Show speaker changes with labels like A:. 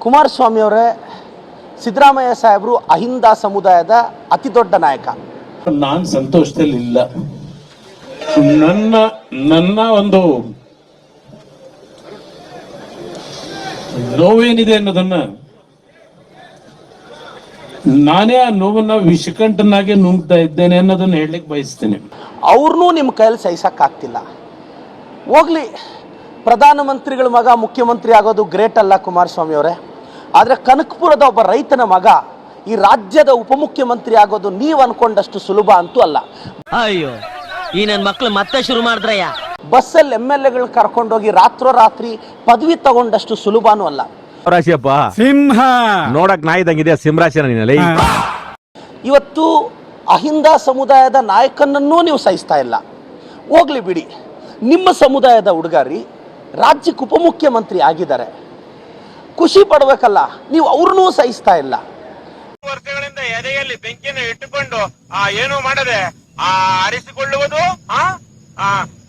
A: ಕುಮಾರಸ್ವಾಮಿ ಅವರೇ, ಸಿದ್ದರಾಮಯ್ಯ ಸಾಹೇಬರು ಅಹಿಂದ ಸಮುದಾಯದ ಅತಿ ದೊಡ್ಡ ನಾಯಕ.
B: ನಾನು ಸಂತೋಷದಲ್ಲಿ ಇಲ್ಲ. ನನ್ನ ಒಂದು ನೋವೇನಿದೆ ಅನ್ನೋದನ್ನ ನಾನೇ ಆ ನೋವನ್ನ ವಿಷಕಂಠನಾಗೆ ನುಂಗ್ತಾ ಇದ್ದೇನೆ ಅನ್ನೋದನ್ನ ಹೇಳಲಿಕ್ಕೆ ಬಯಸ್ತೇನೆ.
A: ಅವ್ರನ್ನೂ ನಿಮ್ಮ ಕೈಯಲ್ಲಿ ಸಹಿಸಕ್ಕಾಗ್ತಿಲ್ಲ. ಹೋಗ್ಲಿ, ಪ್ರಧಾನಮಂತ್ರಿಗಳ ಮಗ ಮುಖ್ಯಮಂತ್ರಿ ಆಗೋದು ಗ್ರೇಟ್ ಅಲ್ಲ ಕುಮಾರಸ್ವಾಮಿ ಅವರೇ, ಆದರೆ ಕನಕಪುರದ ಒಬ್ಬ ರೈತನ ಮಗ ಈ ರಾಜ್ಯದ ಉಪಮುಖ್ಯಮಂತ್ರಿ ಆಗೋದು ನೀವು ಅನ್ಕೊಂಡಷ್ಟು ಸುಲಭ ಅಂತೂ ಅಲ್ಲ.
C: ಅಯ್ಯೋ, ಈ ನನ್ನ ಮಕ್ಳು ಮತ್ತೆ ಶುರು ಮಾಡಿದ್ರಯ್ಯ.
A: ಬಸ್ಸಲ್ಲಿ MLA ಕರ್ಕೊಂಡೋಗಿ ರಾತ್ರೋರಾತ್ರಿ ಪದವಿ ತಗೊಂಡಷ್ಟು ಸುಲಭನೂ ಅಲ್ಲ.
D: ರಾಶಿಯಪ್ಪ ಸಿಂಹ ನೋಡಕ್ ನಾಯಿದಂಗಿದೆ ಸಿಂಹರಾಶಿನ ನೀನಲ್ಲಿ.
A: ಇವತ್ತು ಅಹಿಂದ ಸಮುದಾಯದ ನಾಯಕನನ್ನೂ ನೀವು ಸಹಿಸ್ತಾ ಇಲ್ಲ. ಹೋಗ್ಲಿ ಬಿಡಿ, ನಿಮ್ಮ ಸಮುದಾಯದ ಹುಡುಗಾರಿ ರಾಜ್ಯಕ್ಕೆ ಉಪಮುಖ್ಯಮಂತ್ರಿ ಆಗಿದ್ದಾರೆ, ಖುಷಿ ಪಡ್ಬೇಕಲ್ಲ, ನೀವು ಅವ್ರನ್ನೂ ಸಹಿಸ್ತಾ ಇಲ್ಲ.
E: ವರ್ಷಗಳಿಂದ ಎದೆಯಲ್ಲಿ ಬೆಂಕಿಯನ್ನು ಇಟ್ಟುಕೊಂಡು ಏನು ಮಾಡದೆ ಆರಿಸಿಕೊಳ್ಳುವುದು